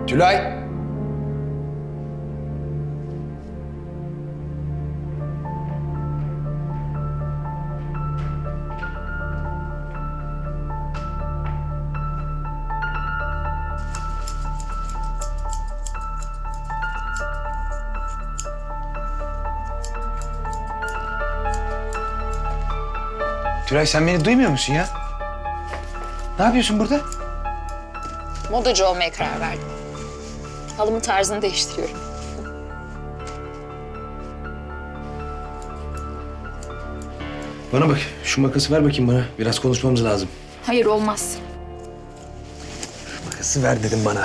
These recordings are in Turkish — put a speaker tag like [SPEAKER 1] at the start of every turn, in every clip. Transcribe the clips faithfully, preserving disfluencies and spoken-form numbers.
[SPEAKER 1] Tülay! Tülay sen beni duymuyor musun ya? Ne yapıyorsun burada?
[SPEAKER 2] Modacı olmaya karar verdim. Halımın tarzını değiştiriyorum.
[SPEAKER 1] Bana bak, şu makası ver bakayım bana. Biraz konuşmamız lazım.
[SPEAKER 2] Hayır, olmaz.
[SPEAKER 1] Makası ver dedim bana.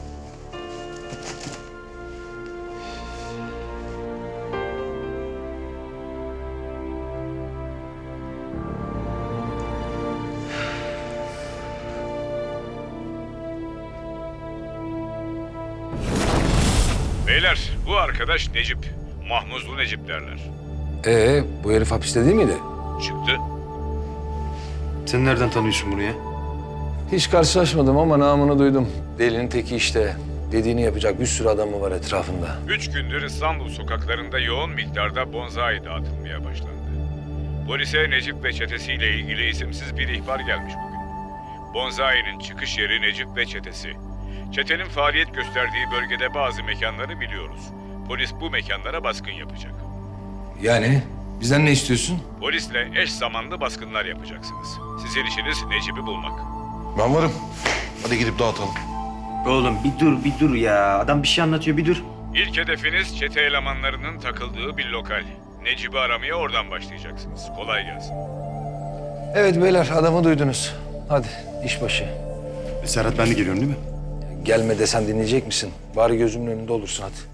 [SPEAKER 3] Beyler, bu arkadaş Necip. Mahmuzlu Necip derler.
[SPEAKER 4] Ee, bu herif hapiste değil miydi?
[SPEAKER 3] Çıktı.
[SPEAKER 1] Sen nereden tanıyorsun bunu ya?
[SPEAKER 4] Hiç karşılaşmadım ama namını duydum. Delinin teki işte. Dediğini yapacak bir sürü adamı var etrafında.
[SPEAKER 3] Üç gündür İstanbul sokaklarında yoğun miktarda bonzai dağıtılmaya başlandı. Polise Necip ve çetesiyle ilgili isimsiz bir ihbar gelmiş bugün. Bonzai'nin çıkış yeri Necip ve çetesi. Çetenin faaliyet gösterdiği bölgede bazı mekanları biliyoruz. Polis bu mekanlara baskın yapacak.
[SPEAKER 4] Yani bizden ne istiyorsun?
[SPEAKER 3] Polisle eş zamanlı baskınlar yapacaksınız. Sizin işiniz Necip'i bulmak.
[SPEAKER 5] Ben varım. Hadi gidip dağıtalım.
[SPEAKER 6] Oğlum bir dur bir dur ya. Adam bir şey anlatıyor bir dur.
[SPEAKER 3] İlk hedefiniz çete elemanlarının takıldığı bir lokal. Necip'i aramaya oradan başlayacaksınız. Kolay gelsin.
[SPEAKER 4] Evet beyler adamı duydunuz. Hadi iş başı.
[SPEAKER 5] E, Serhat ben de geliyorum değil mi?
[SPEAKER 4] Gelme desen dinleyecek misin? Bari gözümün önünde olursun hadi.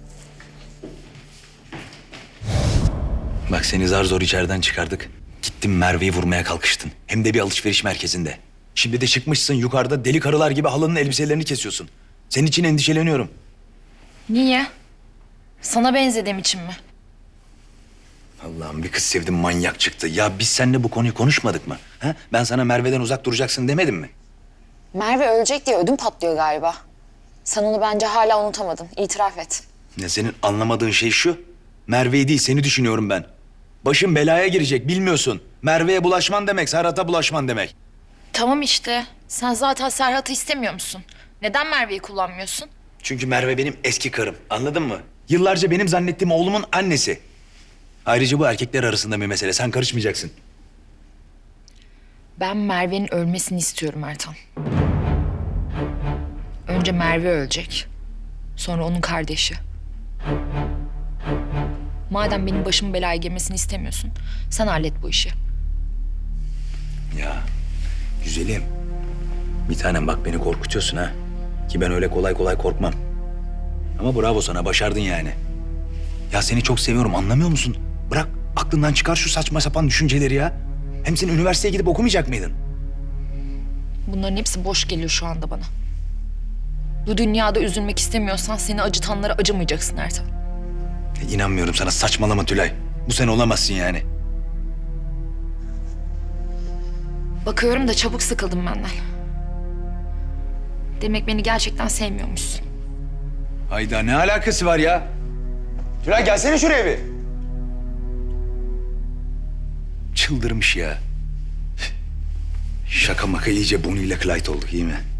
[SPEAKER 7] Bak seni zar zor içeriden çıkardık. Gittin Merve'yi vurmaya kalkıştın. Hem de bir alışveriş merkezinde. Şimdi de çıkmışsın yukarıda deli karılar gibi halının elbiselerini kesiyorsun. Senin için endişeleniyorum.
[SPEAKER 2] Niye? Sana benzediğim için mi?
[SPEAKER 7] Allah'ım bir kız sevdim manyak çıktı. Ya biz seninle bu konuyu konuşmadık mı? Ha? Ben sana Merve'den uzak duracaksın demedim mi?
[SPEAKER 2] Merve ölecek diye ödüm patlıyor galiba. Sen onu bence hala unutamadın. İtiraf et.
[SPEAKER 7] Ne senin anlamadığın şey şu. Merve'yi değil seni düşünüyorum ben. Başın belaya girecek bilmiyorsun. Merve'ye bulaşman demek, Serhat'a bulaşman demek.
[SPEAKER 2] Tamam işte. Sen zaten Serhat'ı istemiyor musun? Neden Merve'yi kullanmıyorsun?
[SPEAKER 7] Çünkü Merve benim eski karım. Anladın mı? Yıllarca benim zannettiğim oğlumun annesi. Ayrıca bu erkekler arasında bir mesele. Sen karışmayacaksın.
[SPEAKER 2] Ben Merve'nin ölmesini istiyorum Ertan. Önce Merve ölecek. Sonra onun kardeşi. Madem benim başımın belaya girmesini istemiyorsun, sen hallet bu işi.
[SPEAKER 7] Ya güzelim. Bir tanem bak beni korkutuyorsun ha. Ki ben öyle kolay kolay korkmam. Ama bravo sana başardın yani. Ya seni çok seviyorum anlamıyor musun? Bırak aklından çıkar şu saçma sapan düşünceleri ya. Hem sen üniversiteye gidip okumayacak mıydın?
[SPEAKER 2] Bunların hepsi boş geliyor şu anda bana. Bu dünyada üzülmek istemiyorsan seni acıtanlara acımayacaksın Ertan.
[SPEAKER 7] Ya, inanmıyorum sana saçmalama Tülay. Bu sen olamazsın yani.
[SPEAKER 2] Bakıyorum da çabuk sıkıldım benden. Demek beni gerçekten sevmiyormuşsun.
[SPEAKER 7] Hayda ne alakası var ya?
[SPEAKER 1] Tülay gelsene şuraya bir.
[SPEAKER 7] Çıldırmış ya. Şaka maka iyice Bonnie ile Clyde olduk iyi mi?